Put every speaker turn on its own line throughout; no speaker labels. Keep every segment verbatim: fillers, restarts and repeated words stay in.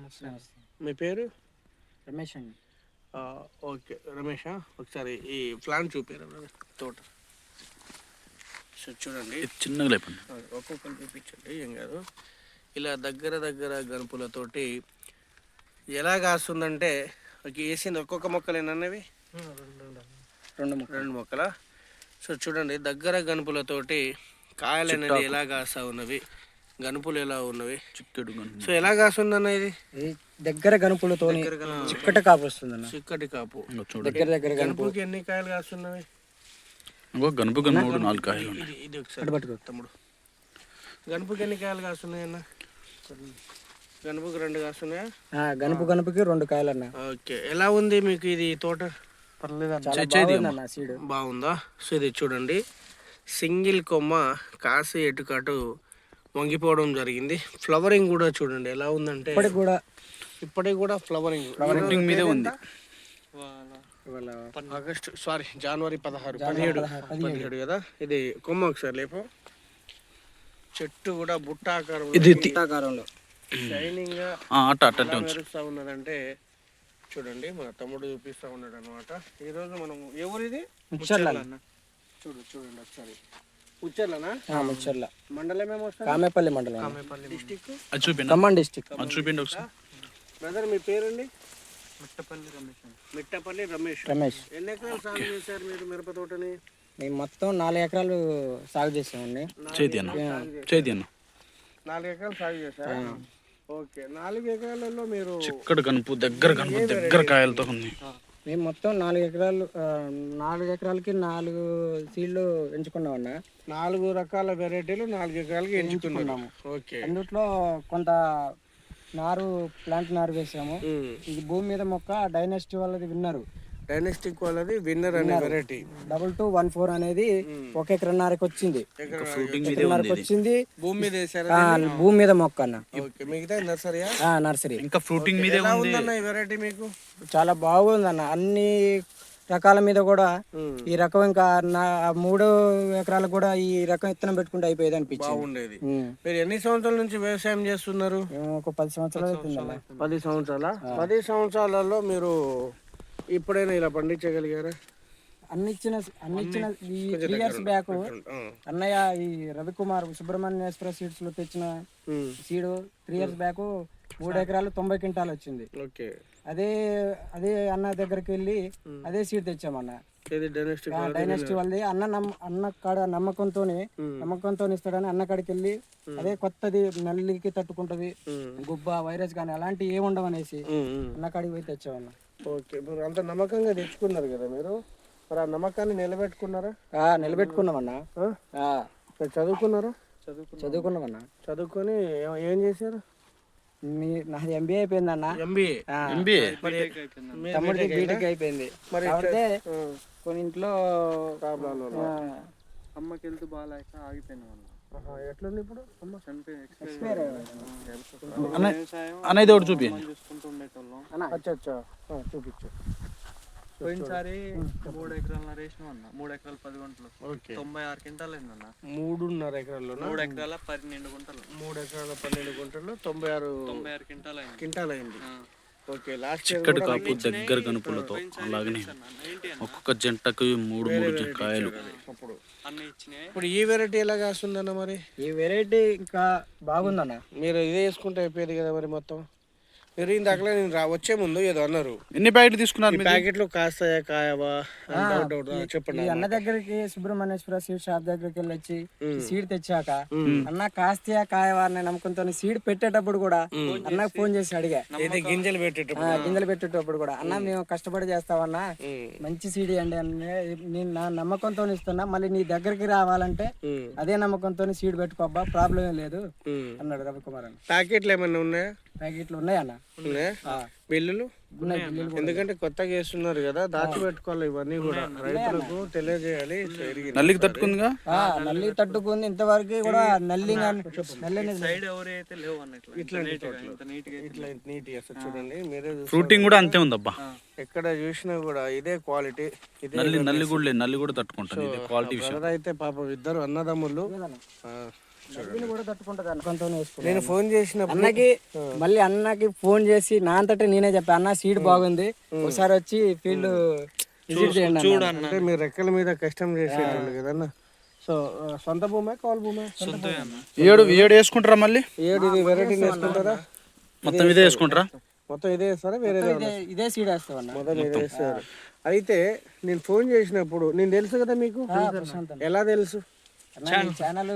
మీ పేరు?
రమేష్ అండి.
ఓకే రమేషా, ఒకసారి ఈ ప్లాంట్ చూపారు తోట. సో చూడండి
చిన్నగా లేపండి,
ఒక్కొక్కరు చూపించండి, ఏం కాదు. ఇలా దగ్గర దగ్గర గనుపులతోటి ఎలా కాస్తుందంటే వేసింది ఒక్కొక్క మొక్కలేనన్నవి
రెండు
రెండు మొక్కల. సో చూడండి దగ్గర గనుపులతోటి కాయలు అనేది ఎలా కాస్తా ఉన్నవి, గనుపులు ఎలా ఉన్నవి,
చిక్కడు.
సో ఎలా కాస్తుందన్న ఇది
దగ్గర గనుపులతో చిక్కటి కాపు వస్తుంది అన్న.
చిక్కటి కాపు
దగ్గర దగ్గర
గనుపుకి ఎన్ని కాయలు కాస్తున్నవి?
గనుపు మూడు నాలుగు కాయలు.
ఇది ఇది ఒకసారి తమ్ముడు, గనుపుకి ఎన్ని కాయలు కాస్తున్నాయి అన్న? గనుపుకి రెండు కాస్తున్నాయా?
గనుపు గనుపుకి రెండు కాయలు అన్న.
ఓకే, ఎలా ఉంది మీకు ఇది తోట? బాగుందా? సో ఇది చూడండి, సింగిల్ కొమ్మ కాసి ఎటుకాటు వంగిపోవడం జరిగింది. ఫ్లవరింగ్ కూడా చూడండి ఎలా ఉందంటే
ఇప్పటికి కూడా
ఇప్పటికి కూడా ఫ్లవరింగ్
ఫ్లవరింగ్ మీదే ఉంది.
ఆగస్టు సారీ జనవరి పదహారు పదిహేడు పదిహేడు కదా. ఇది కొమ్మ ఒకసారి లేపో. చెట్టు కూడా బుట్ట ఆకారం,
ఇది
ఆకారంలో
షైనింగ్ గా మెరుస్తా ఉన్నదంటే చూడండి. మా తమ్ముడు చూపిస్తా ఉన్నాడు అనమాట. ఈరోజు మనం ఎవరిది చూడు చూడండి ఒకసారి. ముచ్చర్లనా?
ముచ్చర్ల
మండలం ఏమో
కామేపల్లి మండలం,
కామేపల్లి డిస్టిక్,
ఖమ్మం డిస్టిక్.
చూపిండి ఒకసారి.
బ్రదర్ మీ పేరండి?
మిట్టపల్లి రమేష్.
మిట్టపల్లి రమేష్.
రమేష్
ఎన్ని ఎకరాలు సాగు చేశారు మీరు మిరప తోటని?
మేము మొత్తం నాలుగు ఎకరాలు సాగు చేసామండి.
చేతి అన్న
నాలుగు ఎకరాలు సాగు చేశారు. ఓకే, నాలుగు ఎకరాలలో మీరు
చిక్కడు కనుపు దగ్గర కనుపు దగ్గర కాయలతో ఉంది.
మేము మొత్తం నాలుగు ఎకరాలు నాలుగు ఎకరాలకి నాలుగు సీడ్లు ఎంచుకున్నామన్నా.
నాలుగు రకాల వెరైటీలు నాలుగు ఎకరాలకి ఎంచుకున్నాము. ఓకే,
అందుట్లో కొంత నారు ప్లాంట్ నారు వేసాము. ఇది భూమి మీద మొక్క డైనెస్టీ వాళ్ళది విన్నరు.
డైనెస్టిక్ వాళ్ళది విన్నర్ అనే variety
double two one four అనేది ఒక ఎకరన్నరకి వచ్చింది. ఎకరన్నరకి వచ్చింది.
భూమి మీద వేసారు,
భూమి మీద మొక్క అన్న.
మిగతా నర్సరీ
నర్సరీ
ఇంకా ఫ్రూటింగ్ మీద
వెరైటీ మీకు
చాలా బాగుంది అన్న. అన్ని రకాల మీద కూడా ఈ రకం ఇంకా మూడు ఎకరాలకు కూడా ఈ రకం ఇత్తనం పెట్టుకుంటే అయిపోయేది అనిపించింది.
బాగుండేది. మీరు ఎన్ని సంవత్సరాల నుంచి వ్యవసాయం చేస్తున్నారు?
ఒక పది సంవత్సరాలు అవుతుంది.
పది సంవత్సరాల పది సంవత్సరాలలో మీరు ఇప్పుడైనా ఇలా పండించగలిగారా?
అన్ని ఇచ్చిన అన్ని ఇచ్చిన ఈ త్రీ ఇయర్స్ బ్యాక్ అన్నయ్య ఈ రవికుమార్ సుబ్రహ్మణ్యేశ్వర సీడ్స్ లో తెచ్చిన సీడ్ త్రీ ఇయర్స్ బ్యాక్ మూడు ఎకరాలు తొంభై క్వింటాల్ వచ్చింది. అదే అదే అన్న దగ్గరికి వెళ్ళి అదే సీడ్ తెచ్చామన్న. డైనెస్టీ వాళ్ళది అన్న నమ్మ అన్న కాడ నమ్మకంతో నమ్మకంతో ఇస్తాడని అన్న కాడికి వెళ్ళి అదే కొత్తది నల్లికి తట్టుకుంటది, గుబ్బ వైరస్ కానీ అలాంటివి ఏమి ఉండవు అనేసి అన్న కాడికి పోయి తెచ్చామన్న.
ఓకే, మీరు అంత నమ్మకంగా తెచ్చుకున్నారు కదా, మీరు మరి ఆ నమ్మకాన్ని నిలబెట్టుకున్నారా?
నిలబెట్టుకున్నామన్నా.
చదువుకున్నారా?
చదువుకున్నామన్నా.
చదువుకొని ఏం చేశారు?
మీ నాది ఎంబీఏ అయిపోయింది అన్న.
ఎంబీఏ
ఎంబీఏ
తమ్ముడికి బీటెక్ అయిపోయింది. కాబట్టి కొన్ని ఇంట్లో
ప్రాబ్లం
అమ్మకి వెళ్తూ బాగాలేక ఆగిపోయినాం అన్న.
ఎట్లుంది ఇప్పుడు?
అనేది ఒకటి చూపి
చూసుకుంటూ ఉండేటోళ్ళం.
చూపించు.
పోయినసారి మూడు ఎకరాల రేషన్ అన్న. మూడు ఎకరాలు పది గుంటలు తొంభై ఆరు క్వింటాలు అయిందన్న.
మూడున్నర ఎకరాల్లో
మూడు ఎకరాల పన్నెండు గుంటలు
మూడు ఎకరాల పన్నెండు గుంటలు తొంభై ఆరు
తొంభై ఆరు క్వింటాల్ అయింది
క్వింటాల్ అయింది. ఓకే, లాస్ట్
చిక్కడి కాపు దగ్గర కనుపులతో అలాగనే ఒక్కొక్క జంటకు మూడు మూడు కాయలు.
ఇప్పుడు ఈ వెరైటీ ఎలా కాస్తుందన్న? మరి
ఈ వెరైటీ ఇంకా బాగుందన్న.
మీరు ఇదే వేసుకుంటే అయిపోయేది కదా మరి మొత్తం. మీరు ఇందాక నేను రా వచ్చే ముందు ఏదో అన్నారు,
ఎన్ని ప్యాకెట్లు తీసుకున్నారు?
ప్యాకెట్లు కాస్తాయా కాయవా చెప్పండి.
అన్న దగ్గరికి సుబ్రహ్మణ్యేశ్వర సీడ్ షాప్ దగ్గరికి వెళ్ళి వచ్చి సీడ్ తెచ్చాక అన్న కాస్తాయా కాయవా అనే నమ్మకంతో సీడ్ పెట్టేటప్పుడు కూడా అన్నకు ఫోన్ చేసి అడిగా,
గింజలు పెట్టేటప్పుడు
గింజలు పెట్టేటప్పుడు కూడా అన్న మేము కష్టపడి చేస్తామన్నా మంచి సీడ్ అండి అని నేను నా నమ్మకంతో ఇస్తున్నా. మళ్ళీ నీ దగ్గరికి రావాలంటే అదే నమ్మకంతో సీడ్ పెట్టుకోబ్బా, ప్రాబ్లం ఏం లేదు అన్నాడు రవికుమార్ అన్న.
ప్యాకెట్లు ఏమన్నా ఉన్నాయా?
ప్యాకెట్లు ఉన్నాయా అన్న?
బిల్లులు ఎందుకంటే కొత్తగా వేస్తున్నారు కదా, దాచిపెట్టుకోవాలి. ఇవన్నీ కూడా రైతులకు తెలియజేయాలి.
నల్లికి తట్టుకుందిగా,
నల్లి తట్టుకుంది. ఇంతవరకు కూడా నల్లి
చూడండి మీరే.
ఫ్రూటింగ్ కూడా అంతే ఉందబ్బా,
ఎక్కడ చూసినా కూడా ఇదే క్వాలిటీ.
నల్లి నల్లి కూడా నల్లి కూడా తట్టుకుంటుంది. క్వాలిటీ
అయితే పాపం ఇద్దరు అన్నదమ్ములు
దీన్ని కూడా తట్టుకుంటుంది అన్న కొంత వేసుకున్నాను.
నేను ఫోన్ చేసినప్పుడు
అన్నకి మళ్ళీ అన్నకి ఫోన్ చేసి నా అంతటా నేనే చెప్పా అన్న సీడ్ బాగుంది ఒకసారి వచ్చి ఫీల్డ్ విజిట్ చేయండి చూడండి.
అంటే మీరు రెక్కల మీద కష్టం చేసేటండి కదన్న. సో సొంత భూమే కౌలు భూమే?
ఏడు ఏడు వేసుకుంటారా మళ్ళీ?
ఏడు ఇది వెరైటీ వేసుకుంటారా?
మొత్తం ఇదే వేసుకుంటారా?
మొత్తం ఇదే వేస్తారా వేరే
ఇదే సీడ్ వేస్తామన్న.
మొదలు ఇదే వేస్తారు. అయితే నేను ఫోన్ చేసినప్పుడు నేను తెలుసు కదా మీకు, ఎలా తెలుసు?
ఛానల్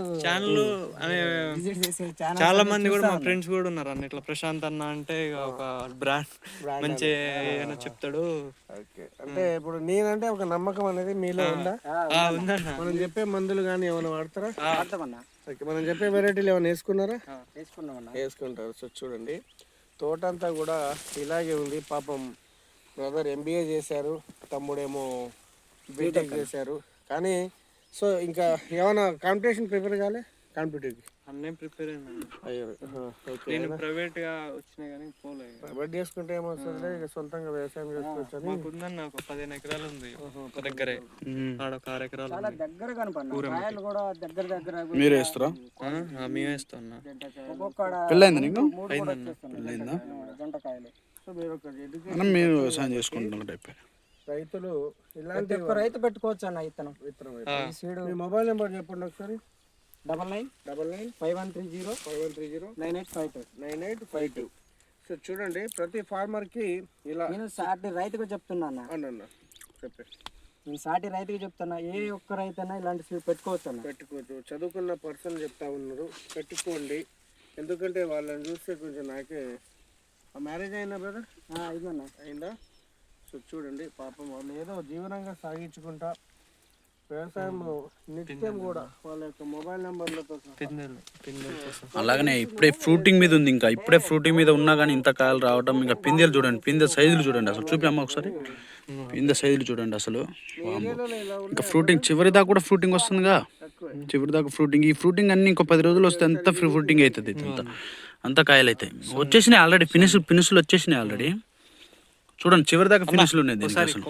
చాలా మంది కూడా మా ఫ్రెండ్స్ కూడా ఉన్నారు అన్న ఇట్లా ప్రశాంత్ అన్న అంటే ఇక ఒక బ్రాండ్ మంచి ఏమైనా చెప్తాడు.
అంటే ఇప్పుడు నేనంటే ఒక నమ్మకం అనేది మీలో ఉందా? మనం చెప్పే మందులు కానీ ఏమైనా వాడతారా? ఓకే, మనం చెప్పే వెరైటీలు ఏమైనా వేసుకున్నారా? వేసుకుంటారు. సో చూడండి తోట అంతా కూడా ఇలాగే ఉంది. పాపం బ్రదర్ ఎంబీఏ చేశారు, తమ్ముడేమో బీటెక్ చేశారు. కానీ సో ఇంకా ఏమైనా కాంపిటీషన్ ప్రిపేర్ కాలే? కాంపిటేటివ్కి
అన్నీ ప్రిపేర్ అయినా.
అయ్యో ఓకే.
నేను ప్రైవేట్ గా వచ్చినా కానీ పోలే.
ప్రైవేట్ చేసుకుంటే ఏమొస్తుంది, ఇక సొంతంగా వ్యవసాయం చేసుకోవచ్చు అని.
మాకు ఉందన్న ఒక పదిహేను ఎకరాలు ఉంది ఒక దగ్గరే, ఆడ ఒక ఆరు ఎకరాలు ఉంది.
దగ్గర కనపడి కూడా దగ్గర దగ్గర
మీరు వేస్తారా?
మేము వేస్తాం.
పెళ్ళైందా నీకు?
పెళ్ళైందా? జంటకాయలు.
సో మీరు ఒక ఎడ్యుకేషన్
మనం మీరు వ్యవసాయం చేసుకుంటున్న టైప్
రైతులు ఇలాంటి
ఒక్క రైతు పెట్టుకోవచ్చు అన్న ఇతను
విత్తనం. మీ మొబైల్ నెంబర్ చెప్పండి ఒకసారి.
Double nine
double nine
five one three zero
five one three zero
nine eight five two
nine eight five two. So చూడండి ప్రతి ఫార్మర్కి ఇలా
నేను సాటి రైతుకు చెప్తున్నా అన్న.
అన్న చెప్పే
నేను సాటి రైతుకి చెప్తున్నా, ఏ ఒక్క రైతు అయినా ఇలాంటి సీడ్ పెట్టుకోవచ్చు అన్న.
పెట్టుకోవచ్చు. చదువుకున్న పర్సన్ చెప్తా ఉన్నారు పెట్టుకోండి. ఎందుకంటే వాళ్ళని చూస్తే కొంచెం నాకే మ్యారేజ్ అయినా బ్రదర్
ఇదన్నా
అయిందా? సో చూడండి పాపం వాళ్ళు ఏదో జీవనంగా సాగించుకుంటా వ్యవసాయం నిత్యం కూడా వాళ్ళ యొక్క మొబైల్ నెంబర్లతో
అలాగనే ఇప్పుడే ఫ్రూటింగ్ మీద ఉంది. ఇంకా ఇప్పుడే ఫ్రూటింగ్ మీద ఉన్నా కానీ ఇంత కాయలు రావడం. ఇంకా పిందెలు చూడండి, పిందె సైజులు చూడండి అసలు. చూపి అమ్మ ఒకసారి పిందె సైజులు చూడండి అసలు. ఇంకా ఫ్రూటింగ్ చివరి దాకా కూడా ఫ్రూటింగ్ వస్తుందిగా, చివరి దాకా ఫ్రూటింగ్. ఈ ఫ్రూటింగ్ అన్ని ఇంకో పది రోజులు వస్తే అంత ఫ్రీ ఫ్రూటింగ్ అవుతుంది. అంత అంత కాయలు అవుతాయి. వచ్చేసినాయి ఆల్రెడీ, ఫినిష్ ఫినిష్లు వచ్చేసినాయి ఆల్రెడీ. చూడండి చివరి దాకా ఫినిష్లు ఉన్నాయి దీనికి అసలు.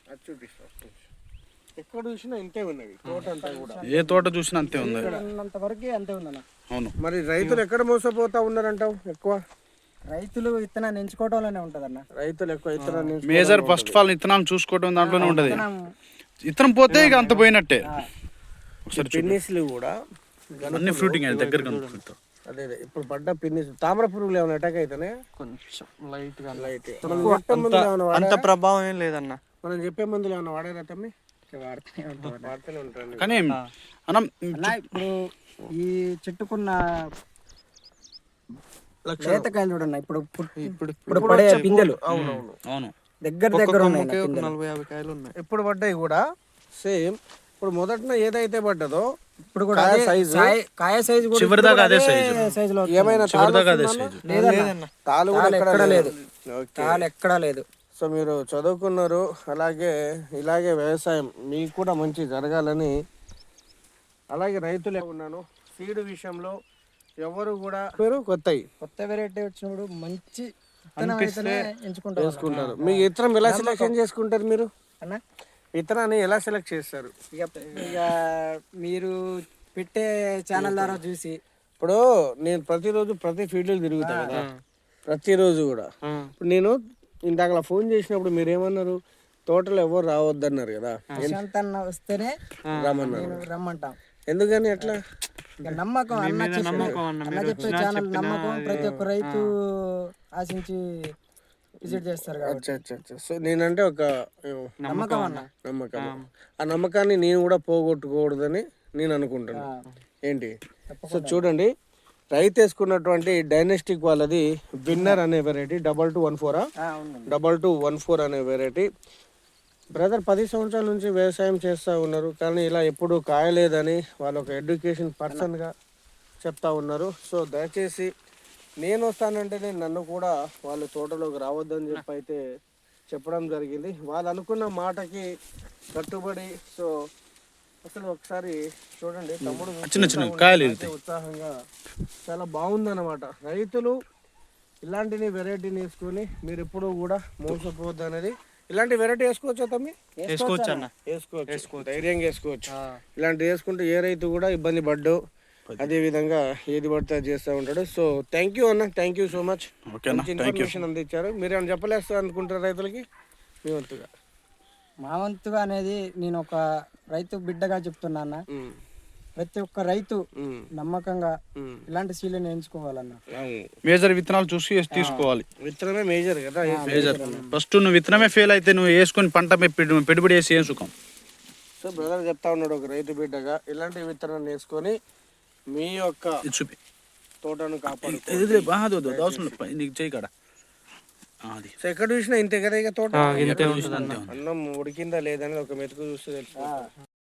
ఎక్కడ చూసినా ఇంతే ఉన్నది తోట అంతా కూడా.
ఏ తోట చూసినా అంతే ఉంది.
అంత వరకే అంతే ఉందన్న.
అవును.
మరి రైతులు ఎక్కడ మోసపోతా ఉన్నారంటావు? ఎక్కువ
రైతులు విత్తనాన్ని ఎంచుకోవడంలోనే ఉంటదన్న.
రైతులు ఎక్కువ విత్తనాన్ని
మేజర్ ఫస్ట్ ఆఫ్ ఆల్ విత్తనాలు చూసుకోవడం దాంట్లోనే ఉంటది. విత్తనం పోతే ఇక అంత పోయినట్టే. ఒకసారి
పిన్నిస్లు కూడా
అన్ని ఫ్రూటింగ్ దగ్గర కనుక్కుంటాం.
అదే అదే ఇప్పుడు పడ్డ పిన్నిస్ తామర పురుగులు ఏమైనా అటాక్ అయితేనే
కొంచెం లైట్ గా
లైట్
అంత ప్రభావం ఏం లేదన్న.
మనం చెప్పే మందులు ఏమైనా వాడారా తమ్మి? వాడుతూనే ఉంటాను.
కానీ మనం
ఇప్పుడు ఈ చెట్టుకున్న లేతకాయలు చూడండి ఇప్పుడు ఇప్పుడు ఇప్పుడు పడే పిందెలు
అవునవును
అవును
దగ్గర దగ్గర ఉన్నాయి.
నలభై యాభై కాయలు ఉన్నాయి.
ఇప్పుడు పడ్డాయి కూడా సేమ్. ఇప్పుడు మొదట ఏదైతే పడ్డదో
ఇప్పుడు కూడా సైజు కాయ సైజు కూడా
చివరి దాకా అదే సైజు.
సైజులో
ఏమైనా
చివరి దాకా అదే సైజు.
లేదన్న,
తాలు కూడా
ఎక్కడా లేదు,
ఓకే.
తాలు ఎక్కడా లేదు.
సో మీరు చదువుకున్నారు, అలాగే ఇలాగే వ్యవసాయం మీకు కూడా మంచి జరగాలని. అలాగే రైతులే ఉన్నాను సీడ్ విషయంలో ఎవరు కూడా పేరు కొత్తవి
కొత్త వెరైటీ వచ్చినప్పుడు మంచి విత్తనం అయితేనే ఎంచుకుంటారు.
చేసుకుంటారు. మీకు విత్తనం ఎలా సెలెక్షన్ చేసుకుంటారు మీరు
అన్న?
విత్తనాన్ని ఎలా సెలెక్ట్ చేస్తారు?
ఇక ఇక మీరు పెట్టే ఛానల్ ద్వారా చూసి
ఇప్పుడు నేను ప్రతిరోజు ప్రతి ఫీల్డ్లో తిరుగుతాను కదా, ప్రతిరోజు కూడా. ఇప్పుడు నేను ఇందాక ఫోన్ చేసినప్పుడు మీరు ఏమన్నారు, తోటలో ఎవరు రావద్దన్నారు కదా,
ప్రశాంత్ అన్న వస్తేనే
రమ్మన్నారు.
రమ్మంటాం.
ఎందుకని అట్లా?
నమ్మకం అన్న చెప్పే అన్న చెప్పే ఛానల్ నమ్మకం. ప్రతి ఒక్క రైతు ఆశించి విజిట్ చేస్తారు కాబట్టి.
అచ్చా అచ్చా. సో నేనంటే ఒక
నమ్మకం అన్న.
నమ్మకం. ఆ నమ్మకాన్ని నేను కూడా పోగొట్టుకోకూడదని నేను అనుకుంటున్నాను. ఏంటి? సో చూడండి రైతు వేసుకున్నటువంటి డైనెస్టిక్ వాళ్ళది విన్నర్ అనే వెరైటీ డబల్ టూ వన్ ఫోరా డబల్ టూ వన్ ఫోర్ అనే వెరైటీ. బ్రదర్ పది సంవత్సరాల నుంచి వ్యవసాయం చేస్తూ ఉన్నారు, కానీ ఇలా ఎప్పుడు కాయలేదని వాళ్ళు ఒక ఎడ్యుకేషన్ పర్సన్గా చెప్తా ఉన్నారు. సో దయచేసి నేను వస్తానంటేనే నన్ను కూడా వాళ్ళు తోటలోకి రావద్దని చెప్పి అయితే చెప్పడం జరిగింది. వాళ్ళు అనుకున్న మాటకి కట్టుబడి. సో అసలు ఒకసారి చూడండి తమ్ముడు
చిన్న చిన్న కాయలు
ఉత్సాహంగా చాలా బాగుందన్నమాట. రైతులు ఇలాంటిని వెరైటీని వేసుకొని మీరు ఎప్పుడు కూడా మోసపోవద్దు అనేది. ఇలాంటి వెరైటీ వేసుకోవచ్చా తమ్మి?
వేసుకోవచ్చు అన్న,
వేసుకోవచ్చు, ధైర్యంగా వేసుకోవచ్చు. ఇలాంటి వేసుకుంటే ఏ రైతు కూడా ఇబ్బంది పడ్డు. అదే విధంగా ఏది పడితే అది చేస్తూ ఉంటాడు. సో థ్యాంక్ యూ అన్న, థ్యాంక్ యూ సో మచ్.
ఓకేనా,
మంచి ఇన్ఫర్మేషన్ అందించారు. మీరు ఏమైనా చెప్పలేస్తారు అనుకుంటారు రైతులకి మీ వంతుగా?
మా వంతుగా అనేది నేను ఒక రైతు బిడ్డగా చెప్తున్నా అన్న,
ఉమ్,
ప్రతి ఒక్క రైతు
ఉమ్,
నమ్మకంగా
ఉమ్.
ఇలాంటి సీలను ఎంచుకోవాలన్న.
అవును.
మేజర్ విత్తనాలు చూసి వేసి తీసుకోవాలి.
విత్తనమే మేజర్ కదా.
మేజర్ ఫస్ట్ నువ్వు విత్తనమే ఫెయిల్ అయితే నువ్వు వేసుకొని పంట మీద పెట్టి- పెట్టుబడి వేసి ఏం సుఖం.
సో బ్రదర్ చెప్తా ఉన్నాడు ఒక రైతు బిడ్డగా, ఇలాంటి విత్తనాన్ని వేసుకొని మీ యొక్క
ఇది చూపి
తోటను కాపాడు.
ఇది ఇది బాగా వద్దు, వద్దు, అవసరం లేదు. పై- నీకు చేయి కాడ ఆ, అది
సో ఎక్కడ చూసినా ఇంతే కదా ఇక తోట.
ఇంతే ఉంటుంది అన్న.
అన్నం ఉడికిందా లేదని ఒక మెతుకు చూస్తే తెలుసు.